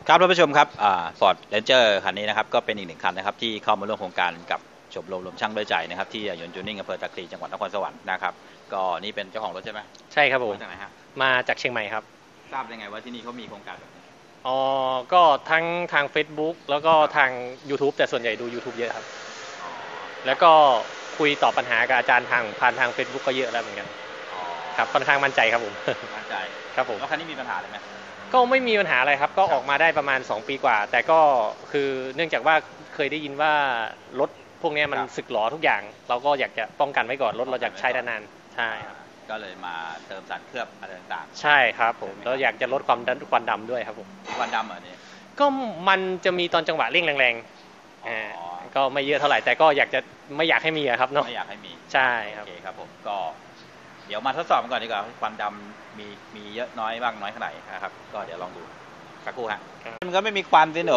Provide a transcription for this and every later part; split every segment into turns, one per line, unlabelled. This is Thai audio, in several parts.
ครับท่านผู้ชมครับFord Ranger คันนี้นะครับก็เป็นอีกหนึ่งคันนะครับที่เข้ามาร่วมโครงการกับชมรมช่างด้วยใจนะครับที่ยนต์จูนิ่งอำเภอตะคลีจังหวัดนครสวรรค์นะครับก็นี่เป็นเจ้าของรถใช่ไหม
ใช่ครับผม
มาจากไหนฮะ
มาจากเชียงใหม่ครับ
ทราบได้ไงว่าที่นี่เขามีโครงการแบบนี้
อ๋อก็ทั้งทาง Facebook แล้วก็ทาง YouTube แต่ส่วนใหญ่ดู YouTube เยอะครับแล้วก็คุยตอบปัญหากับอาจารย์ผ่านทาง Facebook ก็เยอะแล้วเหมือนกันครับค่อนข้างมั่นใจครับผม
มั่นใจ
ครับผม
แล้วคันนี้มีปัญหาอะไรไหม
ก็ไม่มีปัญหาอะไรครับก็ออกมาได้ประมาณ2ปีกว่าแต่ก็คือเนื่องจากว่าเคยได้ยินว่ารถพวกนี้มันสึกหรอทุกอย่างเราก็อยากจะป้องกันไว้ก่อนรถเราอยากใช้นานๆใช่ครับ
ก็เลยมาเติมสารเคลือบอะไรต่าง
ใช่ครับผมแล้วอยากจะลดควันดำด้วยครับผม
ๆควันดำเหรอเนี่ย
ก็มันจะมีตอนจังหวะเร่งแรงๆก็ไม่เยอะเท่าไหร่แต่ก็ไม่อยากให้มีครับเนาะ
ไม่อยากให้มี
ใช่ครับ
โอเคครับผมก็เดี๋ยวมาทดสอบกันก่อนดีกว่าควันดำมีเยอะน้อยบ้างน้อยขนาดไหนนะครับก็เดี๋ยวลองดูสักครู่ฮะมันก็ไม่มีควันสิหนู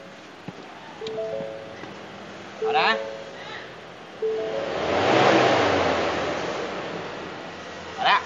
เอานะเอาละ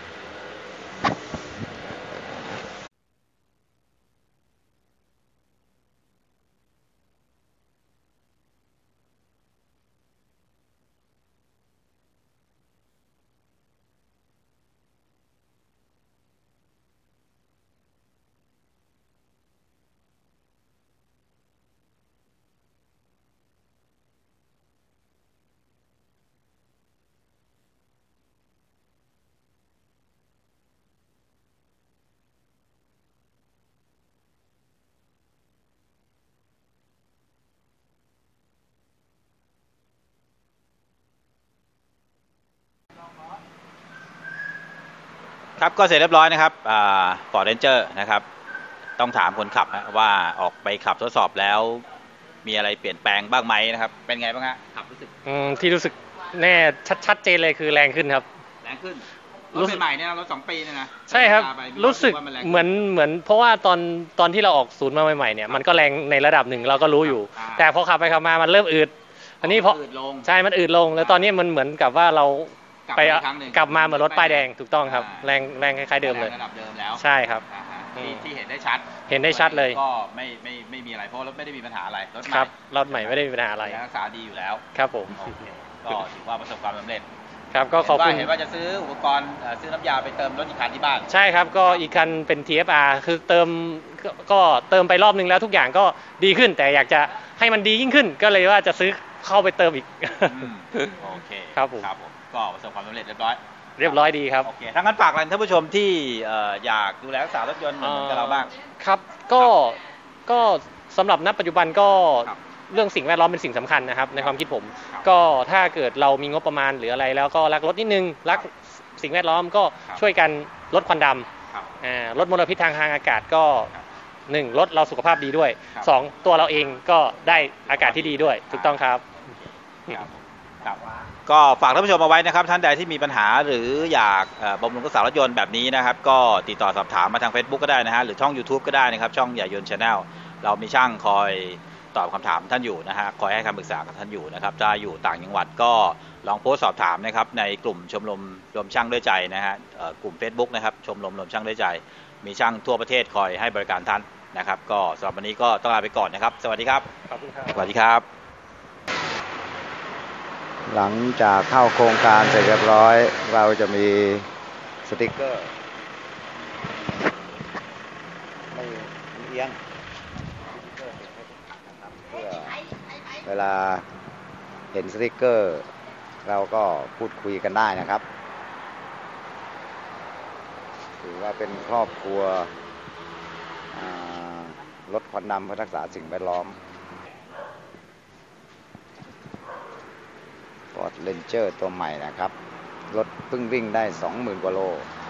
ครับก็เสร็จเรียบร้อยนะครับFord Ranger นะครับต้องถามคนขับว่าออกไปขับทดสอบแล้วมีอะไรเปลี่ยนแปลงบ้างไหมนะครับเป็นไงบ้างฮะขับรู้สึก
ที่รู้สึกแน่ชัดเจนเลยคือแรงขึ้นครับ
แรงขึ้นรถใหม่ๆเนี่ยรถ2 ปีเนี่ยนะ
ใช่ครับรู้สึกเหมือนเพราะว่าตอนที่เราออกศูนย์มาใหม่ๆเนี่ยมันก็แรงในระดับหนึ่งเราก็รู้อยู่แต่พอขับไปขับมามันเริ่มอืดอันนี้เพราะใช่มันอืดลงแล้วตอนนี้มันเหมือนกับว่าเราไปกลับมาเหมือนรถป้ายแดงถูกต้องครับแรงคล้ายๆเดิมเลย
ระดับเดิมแล้ว
ใช่ครับ
ที่เห็นได้ชัด
เลย
ก็ไม่มีอะไรเพราะรถไม่ได้มีปัญหาอะไร
รถใหม่ไม่ได้มีปัญหาอะไร
รักษาดีอยู่แล้ว
ครับผม
ก็ถือว่าประสบความสำเร็จ
ครับก็ขอบคุณ
เห็นว่าจะซื้ออุปกรณ์ซื้อน้ำยาไปเติมรถอีกคันที่บ้าน
ใช่ครับก็อีกคันเป็น TFR คือเติมไปรอบนึงแล้วทุกอย่างก็ดีขึ้นแต่อยากจะให้มันดียิ่งขึ้นก็เลยว่าจะซื้อเข้าไปเติมอีก
โอเค
ครับผม
ก็ประสบความสำเร็จเรียบร้
อยดีครับ
โอเคถ้างั้นฝากอะไรท่านผู้ชมที่อยากดูแลรักษารถยนต์เหมือนกับเราบ้าง
ครับก็สำหรับณปัจจุบันก็เรื่องสิ่งแวดล้อมเป็นสิ่งสำคัญนะครับในความคิดผมก็ถ้าเกิดเรามีงบประมาณหรืออะไรแล้วก็รักรถนิดนึงรักสิ่งแวดล้อมก็ช่วยกันลดควันดำลดมลพิษทางอากาศก็1ลดเราสุขภาพดีด้วย2ตัวเราเองก็ได้อากาศที่ดีด้วยถูกต้องครับ
ก็ฝากท่านผู้ชมเอาไว้นะครับท่านใดที่มีปัญหาหรืออยากบำรุงรักษารถยนต์แบบนี้นะครับก็ติดต่อสอบถามมาทาง Facebook ก็ได้นะฮะหรือช่อง YouTube ก็ได้นะครับช่องใหญ่ยนต์ Channel เรามีช่างคอยตอบคำถามท่านอยู่นะฮะคอยให้คำปรึกษากับท่านอยู่นะครับถ้าอยู่ต่างจังหวัดก็ลองโพสต์สอบถามนะครับในกลุ่มชมรมรวมช่างด้วยใจนะฮะกลุ่ม Facebook นะครับชมรมรวมช่างด้วยใจมีช่างทั่วประเทศคอยให้บริการท่านนะครับก็สำหรับวันนี้ก็ต้องลาไปก่อนนะครับสวัสดีครับ
ขอบคุณครับ
สวัสดีครับ
หลังจากเข้าโครงการเสร็จเรียบร้อยเราจะมีสติ๊กเกอร์ไม่เอียงเพื่อเวลาเห็นสติ๊กเกอร์เราก็พูดคุยกันได้นะครับถือว่าเป็นครอบครัวลดควันดำเพื่อรักษาสิ่งแวดล้อมFord Ranger ตัวใหม่นะครับรถเพิ่งวิ่งได้ 20,000 กว่าโล